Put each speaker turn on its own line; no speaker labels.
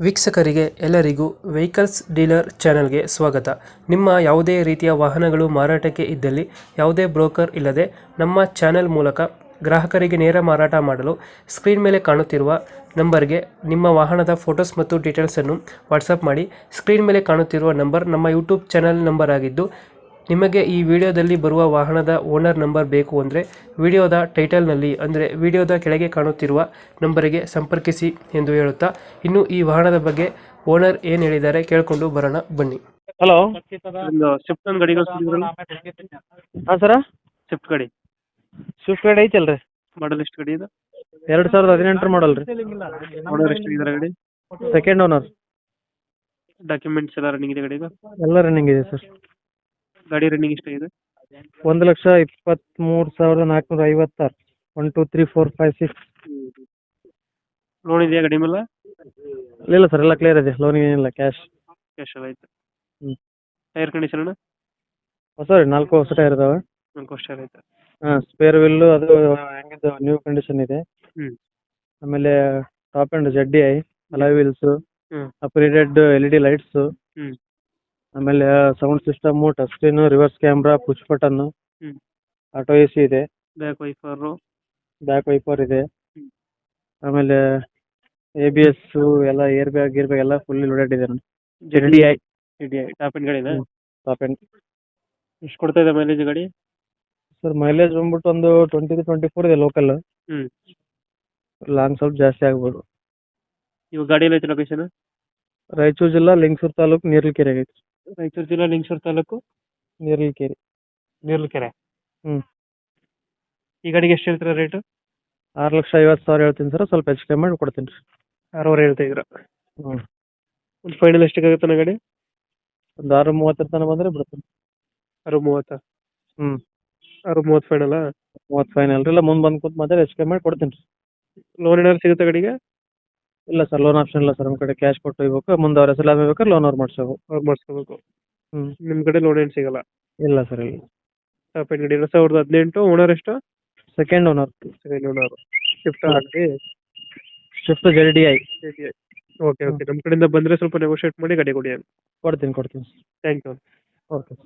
ವೀಕ್ಷಕರಿಗೆ ಎಲ್ಲರಿಗೂ vehicles dealer ಚಾನೆಲ್ಗೆ ಸ್ವಾಗತ. ನಿಮ್ಮ ಯಾವುದೇ ರೀತಿಯ ವಾಹನಗಳು ಮಾರಾಟಕ್ಕೆ ಇದ್ದಲ್ಲಿ ಯಾವುದೇ ಬ್ರೋಕರ್ ಇಲ್ಲದೆ ನಮ್ಮ ಚಾನೆಲ್ ಮೂಲಕ ಗ್ರಾಹಕರಿಗೆ ನೇರ ಮಾರಾಟ ಮಾಡಲು ಸ್ಕ್ರೀನ್ ಮೇಲೆ ಕಾಣುತ್ತಿರುವ ನಂಬರ್ಗೆ ನಿಮ್ಮ ವಾಹನದ ಫೋಟೋಸ್ ಮತ್ತು ಡೀಟೇಲ್ಸನ್ನು ವಾಟ್ಸಪ್ ಮಾಡಿ. ಸ್ಕ್ರೀನ್ ಮೇಲೆ ಕಾಣುತ್ತಿರುವ ನಂಬರ್ ನಮ್ಮ ಯೂಟ್ಯೂಬ್ ಚಾನೆಲ್ ನಂಬರ್ ಆಗಿದ್ದು, ನಿಮಗೆ ಈ ವಿಡಿಯೋದಲ್ಲಿ ಬರುವ ವಾಹನದ ಓನರ್ ನಂಬರ್ ಬೇಕು ಅಂದರೆ ವಿಡಿಯೋದ ಟೈಟಲ್ನಲ್ಲಿ ಅಂದರೆ ವಿಡಿಯೋದ ಕೆಳಗೆ ಕಾಣುತ್ತಿರುವ ನಂಬರಿಗೆ ಸಂಪರ್ಕಿಸಿ ಎಂದು ಹೇಳುತ್ತಾ, ಇನ್ನು ಈ ವಾಹನದ ಬಗ್ಗೆ ಓನರ್ ಏನು ಹೇಳಿದ್ದಾರೆ ಕೇಳಿಕೊಂಡು ಬರೋಣ ಬನ್ನಿ.
ಹಲೋ.
ಒಂದು ಸ್ವಿಫ್ಟ್ ಒಂದು ಗಾಡಿ
ಹಾಂ ಸರ,
ಸ್ವಿಫ್ಟ್ ಗಾಡಿ
ಸ್ವಿಫ್ಟ್ ಗಾಡಿ ಐತಲ್ರಿ,
ಮಾಡಲ್ ಎಷ್ಟು ಗಾಡಿ ಇದು?
2018 ಮಾಡಲ್ ರೀ.
ಓನರ್ ಎಷ್ಟು ಇದ್ದಾರೆ ಗಾಡಿ?
Second owner.
ಡಾಕ್ಯುಮೆಂಟ್ಸ್ ಎಲ್ಲ ರನ್ನಿಂಗ್ ಇದೆ ಗಾಡಿದು?
ಎಲ್ಲ ರನ್ನಿಂಗ್ ಇದೆ ಸರ್.
ಗಾಡಿ ರನ್ನಿಂಗ್ ಎಷ್ಟಾಗಿದೆ?
1,23,456. 1 2 3 4 5 6.
ಲೋನ್ ಇದೆಯಾ ಗಾಡಿ ಮೇಲೆ?
ಇಲ್ಲ ಸರ್, ಎಲ್ಲ ಕ್ಲಿಯರ್ ಇದೆ. ಲೋನ್ ಏನಿಲ್ಲ, ಕ್ಯಾಶ್.
ಕ್ಯಾಶ್ ಎಲ್ಲ ಆಯ್ತು.
ಹ್ಞೂ.
ಟೈರ್ ಕಂಡೀಷನ್ ಅಣ್ಣ?
ಹೊಸ ರೀ, 4 ಹೊಸ ಟೈರ್ ಇದಾವೆ.
4 ವರ್ಷ ಆಯ್ತು.
ಹಾಂ, ಸ್ಪೇರ್ ವಿಲ್ಲು ಅದು ಹೆಂಗಿದ್ದು ನ್ಯೂ ಕಂಡೀಷನ್ ಇದೆ.
ಹ್ಮ್.
ಆಮೇಲೆ top and ZDI alloy wheels,
ಹ್ಮ್.
ಅಪ್ಗ್ರೇಡೆಡ್ LED ಲೈಟ್ಸು,
ಹ್ಮ್.
ಆಮೇಲೆ sound system, touch screen, reverse camera, push button,
ಹ್ಮ್.
ಆಟೋ AC ಇದೆ,
ಬ್ಯಾಕ್ ವೈಫರು.
ಬ್ಯಾಕ್ ವೈಪರ್ ಇದೆ.
ಹ್ಮ್.
ಆಮೇಲೆ ABS ಎಲ್ಲ ಏರ್ ಬ್ಯಾಗ್ ಎಲ್ಲ ಫುಲ್ಲಿ ಲೋಡೆಡ್ ಇದೆ.
ZDI ಟಾಪ್ ಎಂಡ್ ಗಾಡಿನಾ?
Top end.
ಎಷ್ಟು ಕೊಡ್ತಾ ಇದೆ ಮೈಲೇಜ್ ಗಾಡಿ?
ಸರ್, ಮೈಲೇಜ್ ಬಂದ್ಬಿಟ್ಟು ಒಂದು 20-24 ಇದೆ ಲೋಕಲ್.
ಹ್ಮ್.
ಲಾಂಗ್ ಸ್ವಲ್ಪ ಜಾಸ್ತಿ ಆಗ್ಬೋದು.
ಇವಾಗ ಗಾಡಿ ಎಲ್ಲ ಐತೆ ಲೊಕೇಶನ್?
ರಾಯಚೂರು ಜಿಲ್ಲಾ ಲಿಂಗಸೂರು ತಾಲೂಕು ನೀರ್ಲಕೆರೆ ಆಗೈತೆ.
ರಾಯಚೂರು ಜಿಲ್ಲಾ ಲಿಂಗಸೂರು ತಾಲೂಕು
ನೀರ್ಲಕೆರೆ.
ನೀರ್ಲಕೆರೆ.
ಹ್ಮ್.
ಈ ಗಾಡಿಗೆ ಎಷ್ಟು ಹೇಳ್ತೀರಾ ರೇಟು?
6,50,000 ಹೇಳ್ತೀನಿ ಸರ್, ಸ್ವಲ್ಪ ಹೆಚ್ಚು ಕಮ್ಮಿ ಮಾಡಿ ಕೊಡ್ತೀನಿ ರೀ.
6,000 ಹೇಳ್ತಾ ಇದ್ರ?
ಹ್ಞೂ.
ಒಂದು ಫೈನಲ್ ಎಷ್ಟಾಗುತ್ತೆ ಗಾಡಿ?
ಒಂದು 6,30 ತನಕ ಬಂದರೆ ಬಿಡ್ತೀನಿ.
6,30?
ಹ್ಞೂ.
6,30 ಫೈನಲ್?
30 ಫೈನಲ್ ರೀ. ಇಲ್ಲ, ಮುಂದೆ ಬಂದು ಕೂತು ಮಾತ್ರ ಹೆಚ್ಚು ಕಮ್ಮಿ ಮಾಡಿ ಕೊಡ್ತೀನಿ ರೀ.
ಲೋನ್ ಏನಾದ್ರು ಸಿಗುತ್ತೆ ಗಾಡಿಗೆ?
ಇಲ್ಲ ಸರ್, ಲೋನ್ ಆಪ್ಷನ್ ಇಲ್ಲ ಸರ್. ನಮ್ಮ ಕಡೆ ಕ್ಯಾಶ್ ಕೊಟ್ಟು ಹೋಗ್ಬೇಕು. ಮುಂದೆ ಅವ್ರ ಹೆಸರು ಬೇಕಾದ್ರೆ ಲೋನ್ ಅವ್ರು ಮಾಡಿಸ್ಬೇಕು.
ಅವ್ರು ಮಾಡಿಸ್ಕೋಬೇಕು.
ಹ್ಞೂ.
ನಿಮ್ಮ ಕಡೆ ಲೋನ್ ಏನು ಸಿಗಲ್ಲ?
ಇಲ್ಲ ಸರ್, ಇಲ್ಲ.
ಟಾಪ್ ಎಂಡ್ ಗಾಡಿ 2018. ಓನರ್ ಎಷ್ಟು?
Second owner.
Second owner. Shift
ಹಾ.
ಆಗಿ
ಸ್ವಿಫ್ಟ್ ZDI.
Okay okay. ನಮ್ಮ ಕಡೆಯಿಂದ ಬಂದರೆ ಸ್ವಲ್ಪ ನೆಗೋಷಿಯೇಟ್ ಮಾಡಿ ಗಾಡಿ ಕೊಡಿ.
ಕೊಡ್ತೀನಿ.
Thank you.
ಓಕೆ.